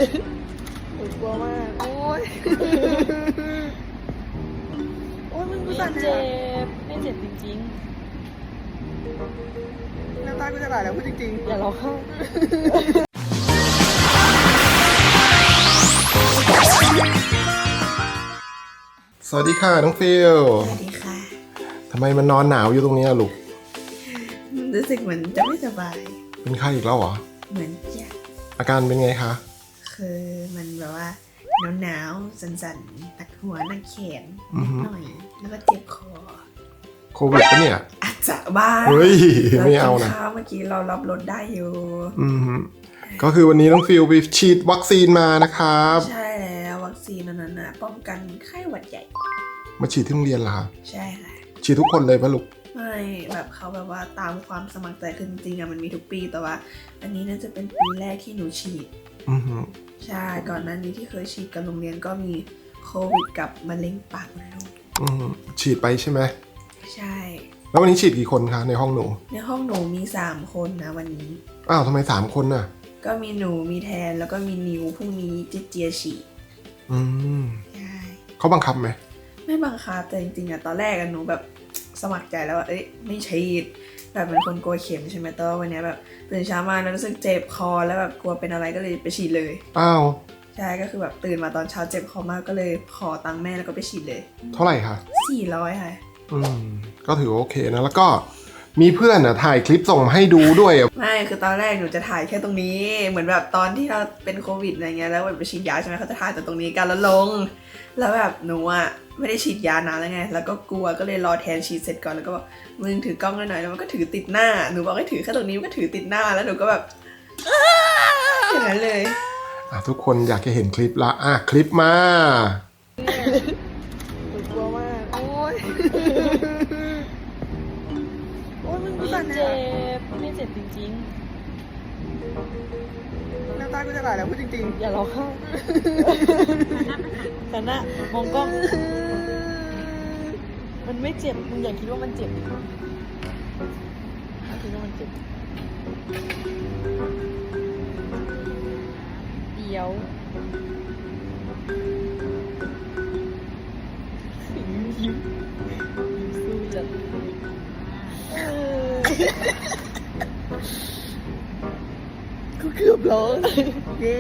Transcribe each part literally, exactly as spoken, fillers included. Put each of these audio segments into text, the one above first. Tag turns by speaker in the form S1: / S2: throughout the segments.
S1: หนูกลัวมากโอ๊ยโอ๊ยมึงกูสั่น
S2: ไม่
S1: เล
S2: เจ็
S1: ย
S2: บไม่เจ็บจริง
S1: น้ำตากูจะไหลแล้วพูดจริง
S2: ๆ อย่าร้องไห้
S3: สวัสดีค่ะน้องฟิล
S1: สวัสดีค่ะ
S3: ทำไมมันนอนหนาวอยู่ตรงนี้อะลูก
S1: รู้สึกเหมือนจะไม่สบาย
S3: เป็นไข้อีกแล้วเหรอ
S1: เหมือนจะ
S3: อาการเป็นไงคะ
S1: คือมันแบบว่าหนาวๆสั่นๆหนักหัวหนักแขน
S3: อือฮึ
S1: หน่อย แล้วก็เจ็บคอ
S3: โควิดปะเนี่ย
S1: อาจจะบ้าง
S3: เฮ้ยไม่เอานะ
S1: รกิข้าวเมื่อกี้เรารับรสได้อยู่
S3: อืมฮึก็คือวันนี้น้องฟิลไปฉีดวัคซีนมานะครับ
S1: ใช่แล้ววัคซีนนั้นนะป้องกันไข้หวัดใหญ่
S3: มาฉีดที่โรงเรียนเหรอคะ
S1: ใช่ค่ะ
S3: ฉีดทุกคนเลยปะลูก
S1: ไม่แบบเขาแบบว่าตามความสมัครใจคือจริงๆอะมันมีทุกปีแต่ว่า อันนี้น่าจะเป็นปีแรกที่หนูฉีด
S3: อือฮึ
S1: ใช่ก่อนหน้านี้ที่เคยฉีดกับโรงเรียนก็มีโควิดกับมะเร็งปากมดลูก
S3: อือฮึฉีดไปใช่ไหม
S1: ใช่
S3: แล้ววันนี้ฉีดกี่คนคะในห้องหนู
S1: ในห้องหนูมีสามคนนะวันนี้
S3: อ้าวทำไมสามคนน่ะ
S1: ก็มีหนูมีแทนแล้วก็มีนิวพรุ่งนี้เจเจียฉีด
S3: อืม
S1: ใช่
S3: เขาบังคับไหม
S1: ไม่บังคับแต่จริงๆอะตอนแรกอะหนูแบบสมัครใจแล้วว่าเอ้ยไม่ฉีดแบบเป็นคนกลัวเข็มใช่ไหมแต่ว่าวันนี้แบบตื่นเช้ามาแล้วรู้สึกเจ็บคอแล้วแบบกลัวเป็นอะไรก็เลยไปฉีดเลย
S3: อ้าว
S1: ใช่ก็คือแบบตื่นมาตอนเช้าเจ็บคอมากก็เลยขอตังค์แม่แล้วก็ไปฉีดเลย
S3: เท่าไหร่คะ
S1: สี่ร้อยค่ะ
S3: อืมก็ถือว่าโอเคนะแล้วก็มีเพื่อนอ่ะถ่ายคลิปส่งมาให้ดูด้วยอะ
S1: ไม่คือตอนแรกหนูจะถ่ายแค่ตรงนี้เหมือนแบบตอนที่เราเป็นโควิดอะไรเงี้ยแล้วแบบไปฉีดยาใช่ไหมเขาจะถ่ายแต่ตรงนี้กันแล้วลง แล้วแบบหนูอ่ะไม่ได้ฉีดยานานแล้วไงแล้วก็กลัวก็เลยรอแทนฉีดเสร็จก่อนแล้วก็บอกมึงถือกล้องหน่อยแล้วมันก็ถือติดหน้าหนูบอกให้ถือแค่ตรงนี้มันก็ถือติดหน้าแล้วหนูก็แบบอย่างนั้นเลย
S3: อ่ะทุกคนอยากจะเห็นคลิปละอ่ะคลิปมา
S1: หนูกลัวมากโอ๊ยโอ๊ยมึงกู
S2: ไม่
S1: สั่นเล
S2: เจ็
S1: ย
S2: บไม่เจ็บจริง
S1: น้ำตากูจะไหลแล้วพูดจริง
S2: ๆ อย่าร้องไห้แต่หน้ามองกล้อง มันไม่เจ็บมึงอย่าคิดว่ามันเจ็บอย่าคิดว่ามันเจ็บเดี๋ยวยิ้มยิ้มสู้จัดเออ
S1: ๆกูเกือบร้องเย้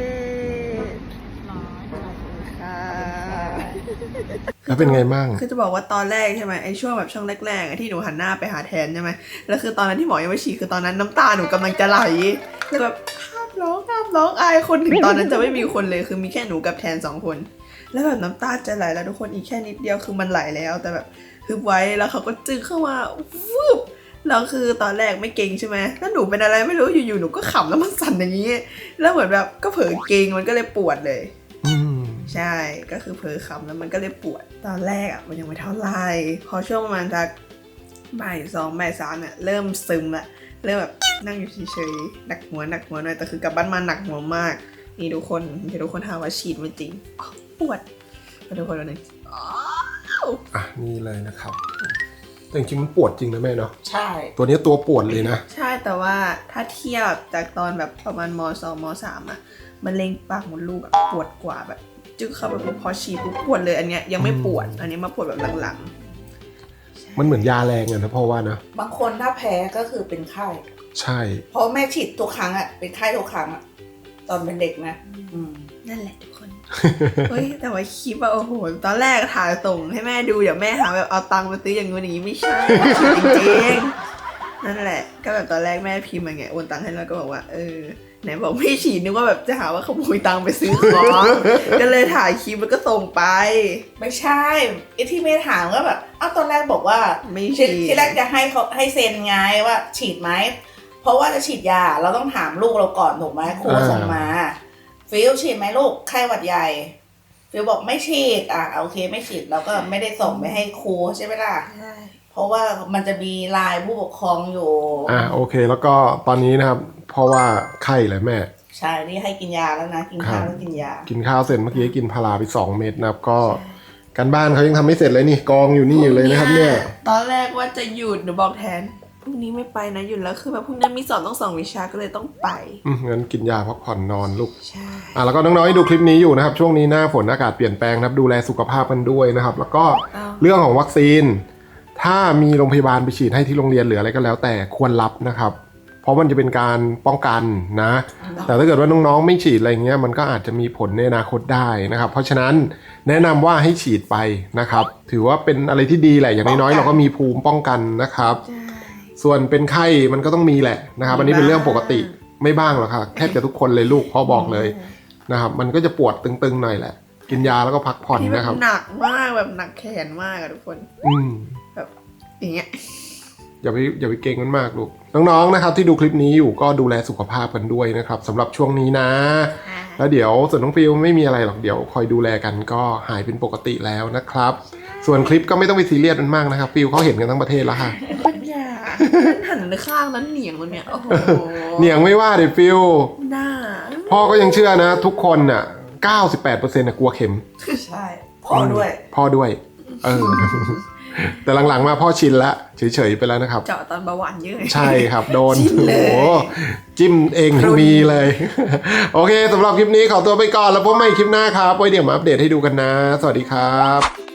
S1: ค่ะ
S3: แล้วเป็นไงบ้าง
S1: คือจะบอกว่าตอนแรกใช่ไหมไอ้ช่วงแบบช่วงแรกๆอะที่หนูหันหน้าไปหาแทนใช่ไหมแล้วคือตอนนั้นที่หมอยังไม่ฉีดคือตอนนั้นน้ำตาหนูกำลังจะไหลคือแบบห้ามร้องห้ามร้องอายคนถึงตอนนั้นจะไม่มีคนเลยคือมีแค่หนูกับแทนสองคน แล้วแบบน้ำตาจะไหลแล้วทุกคนอีกแค่นิดเดียวคือมันไหลแล้วแต่แบบฮึบไว้แล้วเขาก็จึงเข้ามาฟึบแล้วคือตอนแรกไม่เก่งใช่ไหมแล้วหนูเป็นอะไรไม่รู้อยู่ๆหนูก็ขำแล้วมันสั่นอย่างนี้แล้วเหมือนแบบก็เผลอเก่งมันก็เลยปวดเลย
S3: อืม
S1: ใช่ก็คือเผลอขำแล้วมันก็เลยปวดตอนแรกอ่ะมันยังไม่เท่าไหร่พอช่วงประมาณสักบ่ายสองบ่ายสามเนี่ยเริ่มซึมละเริ่มแบบนั่งอยู่เฉยๆหนักหัวหนักหัวหน่อยแต่คือกลับบ้านมาหนักหัวมากนี่ทุกคนเดี๋ยวทุกคนถามว่าฉีดไม่จริงอ๋อปวดมาทุกคนวันหนึ่ง
S3: อ่ะนี่เลยนะครับแต่จริงๆมันปวดจริงนะแม่เนาะ
S1: ใช่
S3: ตัวนี้ตัวปวดเลยนะ
S1: ใช่แต่ว่าถ้าเทียบจากตอนแบบประมาณมสองมสามอะมันเล็งปากมดลูกอะปวดกว่าแบบจึ๊กเข้าไปปุ๊บพอฉีดปุ๊บปวดเลยอันเนี้ยยังไม่ปวดอันนี้มาปวดแบบหลังๆ
S3: มันเหมือนยาแรงอะนะพ่อว่านะ
S4: บางคนถ้าแพ้ก็คือเป็นไข้
S3: ใช่
S4: เพราะแม่ฉีดทุกครั้งอ่ะเป็นไข้ทุกครั้งอ่ะตอนเป็นเด็กนะอืม
S1: นั่นแหละทุกคน เฮ้ยแต่ว่าคลิปอะโอ้โหตอนแรกถ่ายส่งให้แม่ดูเดี๋ยวแม่หาแบบเอาตังค์มาซื้ออย่างงู้นอย่างนี้ไม่ใช่จริงๆนั่นแหละก็แบบตอนแรกแม่พิมพ์มาไงโอนตังค์ให้แล้วก็บอกว่าเออไหนบอกไม่ฉีดนึกว่าแบบจะหาว่าขโมยตังค์ไปซื้อของก็เลยถ่ายคลิปแล้วก็ส่งไป
S4: ไม่ใช่ไอ้ที่ไม่ถามก็แบบอ้าวตอนแรกบอกว่า
S1: ไม่
S4: ที่
S1: ฉีด
S4: ที่แรกจะให้เขาให้เซ็นไงว่าฉีดไหมเพราะว่าจะฉีดยาเราต้องถามลูกเราก่อนถูกไหมครูส่งมาฟิลฉีดไหมลูกไข้หวัดใหญ่ฟิลบอกไม่ฉีดอ่ะโอเคไม่ฉีดเราก็ไม่ได้ส่งไปให้ครูใช่ไหมล่ะ
S1: ใช่
S4: เพราะว่ามันจะมีไลน์ผู้ปกครองอยู่
S3: อ่ะโอเคแล้วก็ตอนนี้นะครับเพราะว่าไข้เลยแม่
S4: ใช่นี่ให้กินยาแล้วนะกินข้าวแล้วกินยา
S3: กินข้าวเสร็จเมื่อกี้กินพาราไปสองเม็ดนะครับก็การบ้านเขายังทำไม่เสร็จเลยนี่กองอยู่นี่อยู่เลยนะครับเนี่ย
S1: ตอนแรกว่าจะหยุดหนูบอกแทนรุ่งนี้ไม่ไปนะหยุดแล้วคือแบบพรุ่งนี้มีสอบต้องสองวิชาก็เลยต้องไป
S3: อืมงั้นกินยาพักผ่อนนอนลูก
S1: ใช่
S3: อ่ะแล้วก็น้องๆที่ดูคลิปนี้อยู่นะครับช่วงนี้หน้าฝนอากาศเปลี่ยนแปลงนะครับดูแลสุขภาพกันด้วยนะครับแล้วก็เรื่องของวัคซีนถ้ามีโรงพยาบาลไปฉีดให้ที่โรงเรียนหรืออะไรก็แล้วแต่ควรรับนะครับเพราะมันจะเป็นการป้องกันนะแต่ถ้าเกิดว่าน้องๆไม่ฉีดอะไรเงี้ยมันก็อาจจะมีผลในอนาคตได้นะครับเพราะฉะนั้นแนะนำว่าให้ฉีดไปนะครับถือว่าเป็นอะไรที่ดีแหละอย่างน้อยๆเราก็มีภูมิป้องกันนะครับส่วนเป็นไข้มันก็ต้องมีแหละนะครับอันนี้เป็นเรื่องปกติไม่บ้างหรอกค่ะแทบจะทุกคนเลยลูกพ่อบอกเลยนะครับมันก็จะปวดตึงๆหน่อยแหละกินยาแล้วก็พักผ่อน
S1: ที่แบบ
S3: นะครับ
S1: หนักมากแบบหนักแขนมากอะทุกคน
S3: อืม
S1: แบบอย่างเงี้ย
S3: อย่าไปอย่าไปเก่งมันมากลูกน้องๆนะครับที่ดูคลิปนี้อยู่ก็ดูแลสุขภาพกันด้วยนะครับสำหรับช่วงนี้นะ แล้วเดี๋ยวส่วนน้องฟิลไม่มีอะไรหรอกเดี๋ยวคอยดูแลกันก็หายเป็นปกติแล้วนะครับส่วนคลิปก็ไม่ต้องไปซีเรียสมันมากนะครับฟิลเขาเห็นกันทั้งประเทศแล้วค่ะ
S1: ปัญญาหันข้างนั้นเหนียงแล้วเนี่ยโอ้โห
S3: เหนียงไม่ว่าเดี๋ยวฟิล
S1: หน้า
S3: พ่อก็ยังเชื่อนะทุกคนน่ะ เก้าสิบแปดเปอร์เซ็นต์ น่ะกลัวเข็ม
S4: ใช่พ่อด้วย
S3: พ่อด้วยเออ แต่หลังๆมาพ่อชินละเฉยๆไปแล้วนะครับ
S1: เจาะตอนเบาหวานเยอะ
S3: ใช่ครับโดน
S1: จิ้ม
S3: โอ้
S1: เลย
S3: โหจิ้มเองยังมีเลย โอเคสำหรับคลิปนี้ขอตัวไปก่อนแล้วพบใหม่คลิปหน้าครับไว้เดี๋ยวมาอัปเดตให้ดูกันนะ สวัสดีครับ